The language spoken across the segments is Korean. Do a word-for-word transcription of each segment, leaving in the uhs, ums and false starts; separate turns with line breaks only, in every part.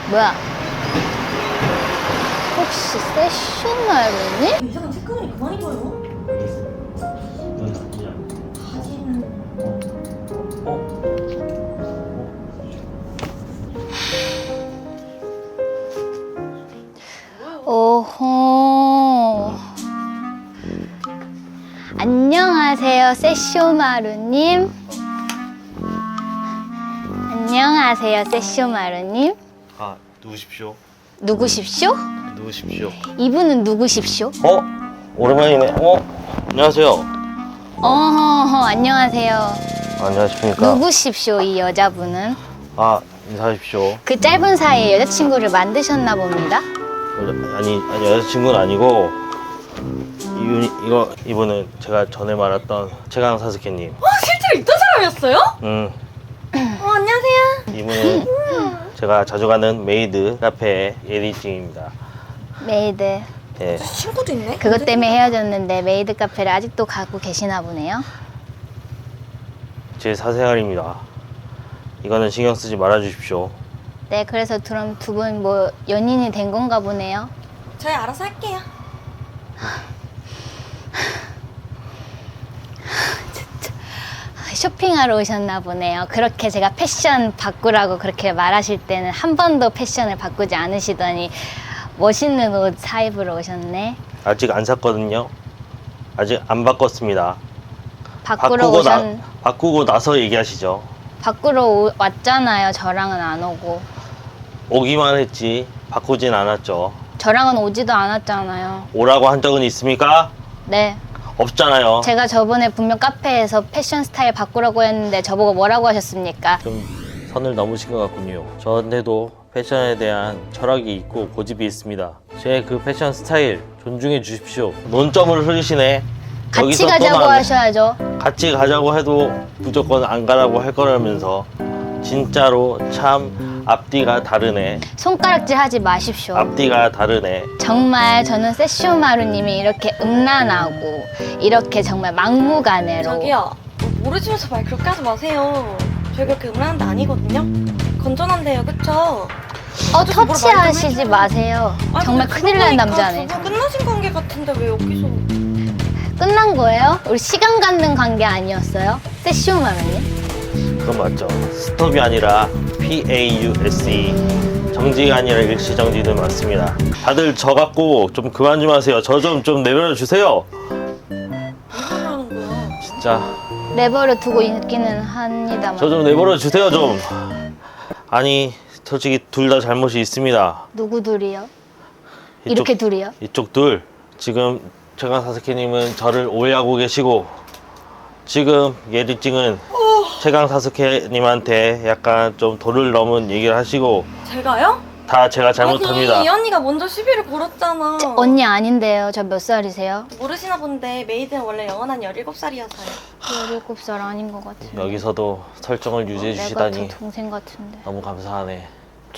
뭐야? 혹시 세슈마루니?
이상한 체크문이 그만 입어요. 바지는
오호. 안녕하세요, 세쇼마루님. 안녕하세요, 세쇼마루님.
아, 누구십시오?
누구십시오?
누구십시오?
이분은 누구십시오?
어? 오랜만이네. 어? 안녕하세요.
어허허, 안녕하세요.
안녕하십니까?
누구십시오, 이 여자분은?
아, 인사하십시오.
그 짧은 사이에 여자친구를 만드셨나 봅니다.
여자, 아니, 아니 여자친구는 아니고 이, 이거 이분은 제가 전에 말했던 최강 사스케님.
어? 실제로 있던 사람이었어요?
음,
어 안녕하세요.
이분은 제가 자주 가는 메이드 카페의 예리찡입니다.
메이드.
예.
친구도 있네.
그것 때문에 헤어졌는데 메이드 카페를 아직도 가고 계시나 보네요.
제 사생활입니다. 이거는 신경 쓰지 말아 주십시오.
네, 그래서 그럼 두 분 뭐 연인이 된 건가 보네요.
저희 알아서 할게요.
쇼핑하러 오셨나 보네요. 그렇게 제가 패션 바꾸라고 그렇게 말하실 때는 한 번도 패션을 바꾸지 않으시더니 멋있는 옷 사입으러 오셨네.
아직 안 샀거든요. 아직 안 바꿨습니다.
바꾸러
바꾸고
오셨...
나 바꾸고 나서 얘기하시죠.
바꾸러 오... 왔잖아요. 저랑은 안 오고.
오기만 했지 바꾸진 않았죠.
저랑은 오지도 않았잖아요.
오라고 한 적은 있습니까?
네.
없잖아요.
제가 저번에 분명 카페에서 패션 스타일 바꾸라고 했는데 저보고 뭐라고 하셨습니까?
좀 선을 넘으신 것 같군요. 저한테도 패션에 대한 철학이 있고 고집이 있습니다. 제 그 패션 스타일 존중해 주십시오. 논점을 흐리시네.
같이
여기서 또
가자고
나왔네.
하셔야죠.
같이 가자고 해도 무조건 안 가라고 할 거라면서 진짜로 참 앞뒤가 다르네.
손가락질 하지 마십시오.
앞뒤가 다르네.
정말 저는 세쇼마루님이 이렇게 음란하고 이렇게 정말 막무가내로
저기요. 모르시면서 말 그렇게 하지 마세요. 저희 그렇게 음란한 데 아니거든요. 건전한데요, 그쵸?
어
아저씨 뭐라
터치하시지
말 좀
마세요.
아니,
정말
근데
큰일 날
그러고
남자네.
보니까 두분 끝나신 관계 같은데 왜 여기서?
끝난 거예요? 우리 시간 갖는 관계 아니었어요? 세쇼마루님?
그건 맞죠. 스톱이 아니라 P A U S E 정지가 아니라 일시정지는 맞습니다. 다들 저 갖고 좀 그만 좀 하세요. 저 좀 좀 내버려 주세요.
무슨 말 하는 거야?
진짜
내버려 두고 있기는 합니다만.
저 좀 내버려 주세요 좀. 아니 솔직히 둘 다 잘못이 있습니다.
누구 둘이요?
이쪽,
이렇게 둘이요?
이쪽 둘. 지금 최강 사스케님은 저를 오해하고 계시고 지금 예리찡은 최강 사스케님한테 약간 좀 도를 넘은 얘기를 하시고
제가요?
다 제가 잘못합니다.
아니, 이 언니가 먼저 시비를 걸었잖아.
저, 언니 아닌데요. 저 몇 살이세요?
모르시나 본데 메이드는 원래 영원한 열일곱 살이어서요.
열일곱 살 아닌 것 같아요.
여기서도 설정을 유지해
내가
주시다니
저 동생 같은데.
너무 감사하네.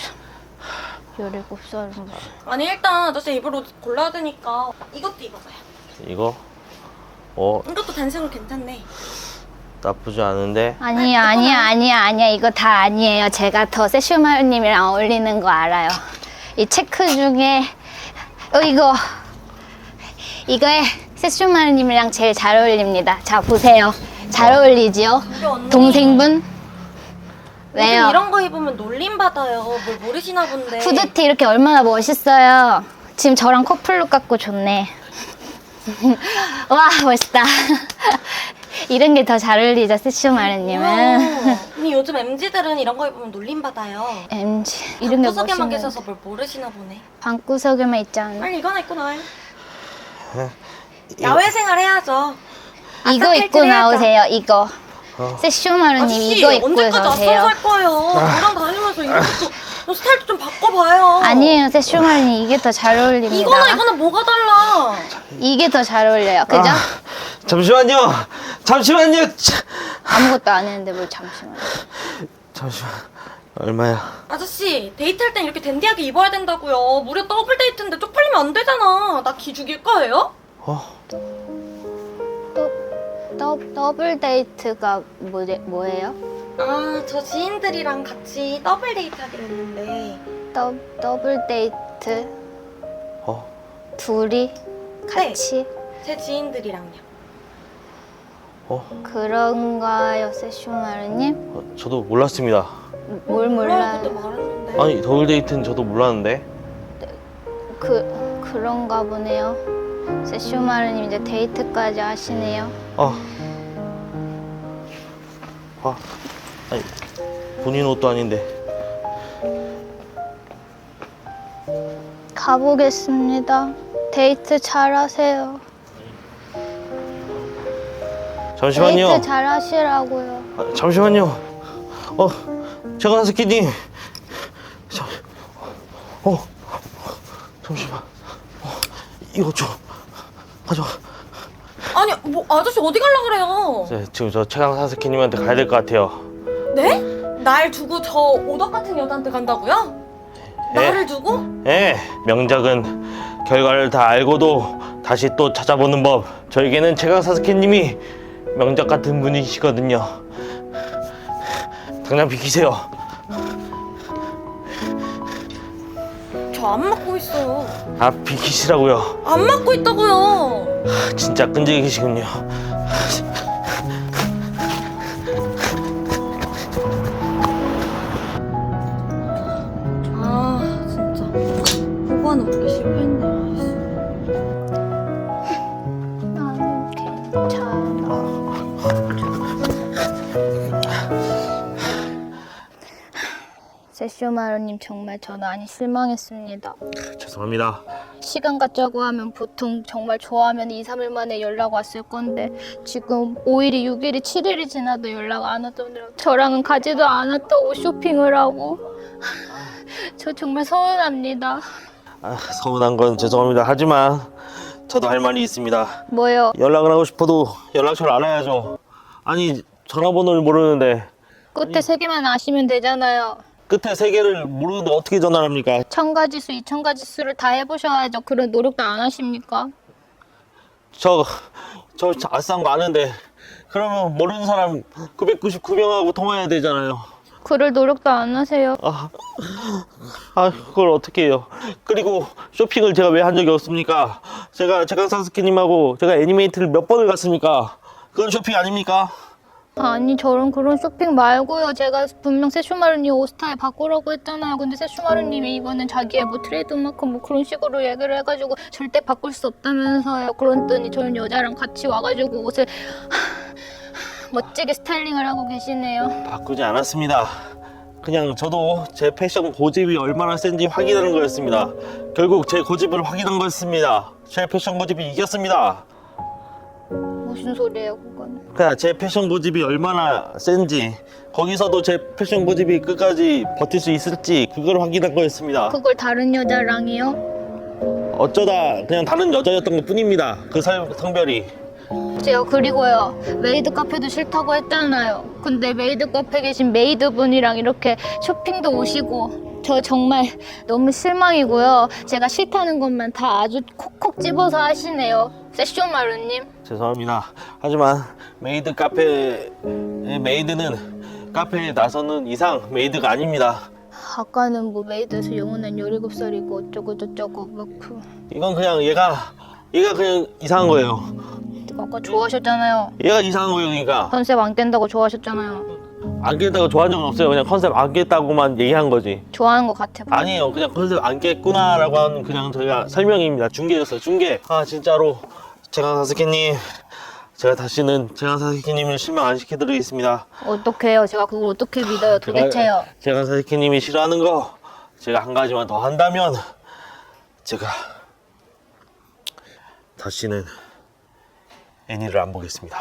열일곱 살은 무슨.
아니 일단 아저씨 입을 옷 골라야 되니까 이것도 입어봐요.
이거 어
이것도 단색으로 괜찮네.
나쁘지 않은데
아니야, 아니야, 아니야, 아니야. 이거 다 아니에요. 제가 더 세슈마루님이랑 어울리는 거 알아요. 이 체크 중에 어 이거 이거에 세슈마루님이랑 제일 잘 어울립니다. 자 보세요. 잘 어울리지요?
근데 언니
동생분? 왜요?
요즘 이런 거 입으면 놀림 받아요. 뭘 모르시나 본데.
후드티 이렇게 얼마나 멋있어요. 지금 저랑 커플룩 같고 좋네. 와 멋있다. 이런 게 더 잘 어울리죠, 세슈마루님은.
어. 아니 요즘 엠지들은 이런 거 입으면 놀림 받아요.
엠지 이런 게
구석에만
멋있는.
계셔서 뭘 모르시나 보네.
방구석에만 있지 않나?
빨리 이거나 입고 나와요. 야외 생활 해야죠.
이거
아싸
입고
탈출 해야죠.
나오세요. 이거.
어.
세슈마루님
아저씨
이거 입고
언제까지
나오세요.
앞서 살 거예요. 저랑 다니면서 이것도 스타일도 좀 바꿔봐요.
아니에요, 세슈마루님 이게 더 잘 어울립니다.
이거나 이거나 뭐가 달라?
이게 더 잘 어울려요. 그죠?
아, 잠시만요. 잠시만요. 차,
아무것도 안 했는데 뭘 잠시만.
잠시만. 얼마야?
아저씨 데이트할 땐 이렇게 댄디하게 입어야 된다고요. 무려 더블 데이트인데 쪽팔리면 안 되잖아. 나 기 죽일 거예요?
어?
더, 더블 데이트가 뭐, 뭐예요?
아 저 지인들이랑 같이 더블 데이트 하기로 했는데
더, 더블 데이트
어?
둘이 같이
제 지인들이랑요.
어?
그런가요, 세슈마루님?
어, 저도 몰랐습니다.
뭘 몰라요?
그때 말했는데.
아니 더블 데이트는 저도 몰랐는데.
그 그런가 보네요. 세슈마루님 이제 데이트까지 하시네요.
아, 아, 아니 본인 옷도 아닌데.
가보겠습니다. 데이트 잘하세요.
잠시만요.
데이트 잘하시라고요.
아, 잠시만요. 어, 제가 스키님. 잠, 어, 잠시만. 어, 이거 좀 가져가.
아니 뭐 아저씨 어디 갈라 그래요?
네, 지금 저 최강 사스키님한테 가야 될 것 같아요.
네? 날 두고 저 오덕 같은 여자한테 간다고요? 나를 두고?
예, 명작은 결과를 다 알고도 다시 또 찾아보는 법. 저에게는 최강 사스키님이 명작 같은 분이시거든요. 당장 비키세요.
저 안 맞고 있어요.
아, 비키시라고요.
안 맞고 있다고요.
진짜 끈질기시군요.
아 진짜 보고하는 웃기 실패했네.
난 괜찮아. 세슈마루님 정말 저 많이 실망했습니다.
죄송합니다.
시간 갖자고 하면 보통 정말 좋아하면 이, 삼 일 만에 연락 왔을 건데 지금 오 일이, 육 일이, 칠 일이 지나도 연락 안 왔더니 저랑은 가지도 않았다고 쇼핑을 하고 저 정말 서운합니다.
아, 서운한 건 죄송합니다. 하지만 저도 할 말이 있습니다.
뭐요?
연락을 하고 싶어도 연락처를 알아야죠. 아니, 전화번호를 모르는데
끝에 세 개만 아시면 되잖아요.
끝에 세 개를 모르는데 어떻게 전화를 합니까?
천 가지 수, 이천 가지 수를 다 해보셔야죠. 그런 노력도 안 하십니까?
저, 저 아싼 거 아는데 그러면 모르는 사람 구백구십구 명하고 통화해야 되잖아요.
그럴 노력도 안 하세요.
아, 아 그걸 어떻게 해요? 그리고 쇼핑을 제가 왜 한 적이 없습니까? 제가 제가 사스키님하고 제가 애니메이트를 몇 번을 갔습니까? 그건 쇼핑 아닙니까?
아니 저런 그런 쇼핑 말고요. 제가 분명 세슈마루님 옷 스타일 바꾸라고 했잖아요. 근데 세슈마루님이 이거는 자기의 뭐 트레이드마크 뭐 그런 식으로 얘기를 해가지고 절대 바꿀 수 없다면서요. 그랬더니 저는 여자랑 같이 와가지고 옷을 멋지게 스타일링을 하고 계시네요.
바꾸지 않았습니다. 그냥 저도 제 패션 고집이 얼마나 센지 확인하는 거였습니다. 결국 제 고집을 확인한 거였습니다. 제 패션 고집이 이겼습니다.
무슨 소리예요 그건?
그냥 제 패션 고집이 얼마나 센지, 거기서도 제 패션 고집이 끝까지 버틸 수 있을지 그걸 확인한 거였습니다.
그걸 다른 여자랑이요?
어쩌다 그냥 다른 여자였던 것 뿐입니다. 그 살- 성별이.
제가 그리고요 메이드 카페도 싫다고 했잖아요. 근데 메이드 카페 계신 메이드분이랑 이렇게 쇼핑도 오시고 저 정말 너무 실망이고요. 제가 싫다는 것만 다 아주 콕콕 집어서 하시네요. 세쇼마루님.
죄송합니다. 하지만 메이드 카페의 메이드는 카페에 나서는 이상 메이드가 아닙니다.
아까는 뭐 메이드에서 영원한 열일곱 살이고 어쩌고 저쩌고 막 그...
이건 그냥 얘가 얘가 그냥 이상한 거예요.
아까 좋아하셨잖아요.
얘가 이상한 거예요. 그러니까
컨셉 안 깬다고 좋아하셨잖아요.
안 깼다고 좋아한 적은 없어요. 그냥 컨셉 안 깼다고만 얘기한 거지.
좋아하는 것 같아.
아니에요. 그냥 컨셉 안 깼구나라고 하는 그냥 저희가 설명입니다. 중계였어요. 중계. 아 진짜로 제가 사스케님, 제가 다시는 제가 사스케님을 실망 안 시켜드리겠습니다.
어떡해요? 제가 그걸 어떻게 믿어요 도대체요?
제가 사스케님이 싫어하는 거 제가 한 가지만 더 한다면 제가 다시는 애니를 안 보겠습니다.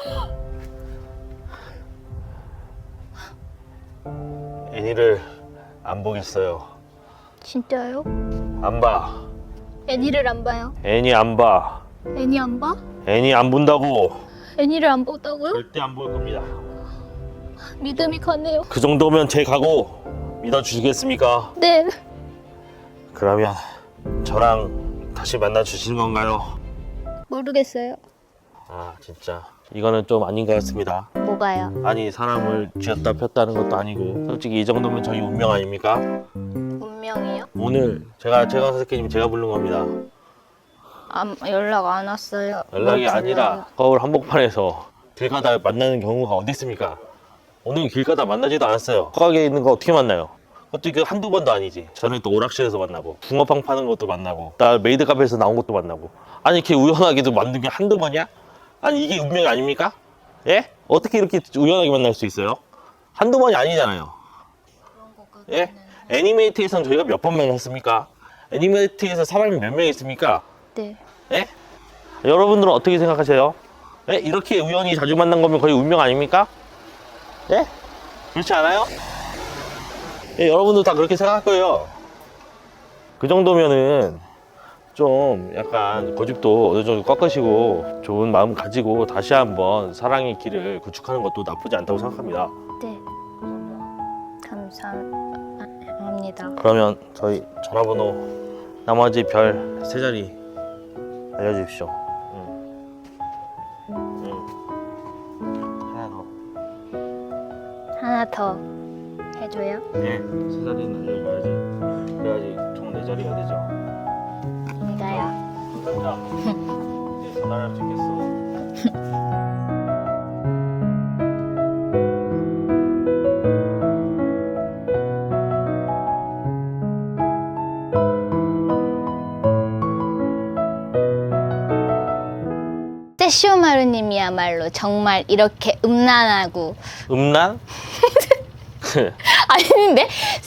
애니를 안 보겠어요.
진짜요?
안 봐.
애니를 안 봐요?
애니 안 봐.
애니 안 봐?
애니 안 본다고.
애니를 안 본다고요?
절대 안 볼 겁니다.
믿음이 가네요.
그 정도면 제 각오 믿어주시겠습니까?
네.
그러면 저랑 다시 만나 주시는 건가요?
모르겠어요.
아 진짜 이거는 좀 아닌 것 같습니다.
뭐가요?
아니 사람을 쥐었다 폈다는 것도 아니고 솔직히 이 정도면 저희 운명 아닙니까?
운명? 운명이요?
오늘 제가 최강 사스케님 제가 부른 겁니다.
아, 연락 안 왔어요.
연락이
뭐
아니라
불러요?
서울 한복판에서 길 가다 만나는 경우가 어디 있습니까? 오늘 길 가다 만나지도 않았어요. 허각에 있는 거 어떻게 만나요? 그것도 그 한두 번도 아니지. 저는 또 오락실에서 만나고 붕어빵 파는 것도 만나고 나 메이드 카페에서 나온 것도 만나고 아니 이렇게 우연하게도 만든 게 한두 번이야? 아니 이게 운명이 아닙니까? 예? 어떻게 이렇게 우연하게 만날 수 있어요? 한두 번이 아니잖아요. 예? 애니메이트에서는 저희가 몇 번 만났습니까? 애니메이트에서 사람이 몇 명 있습니까?
네.
예? 여러분들은 어떻게 생각하세요? 예? 이렇게 우연히 자주 만난 거면 거의 운명 아닙니까? 예? 그렇지 않아요? 예, 여러분도 다 그렇게 생각할 거예요. 그 정도면은 좀 약간 고집도 어느 정도 꺾으시고 좋은 마음 가지고 다시 한번 사랑의 길을 구축하는 것도 나쁘지 않다고 생각합니다.
네. 감사합니다.
그러면 저희 전화번호 나머지 별 세 자리 알려주십시오. 응. 응. 하나 더.
하나 더 해줘요?
네, 세 자리는 알려줘야지. 그래야지 총 네 자리가 되죠.
이거요.
자, 이제 전화를 할 수 있겠어.
세쇼마루님이야말로 정말 이렇게 음란하고
음란?
아닌데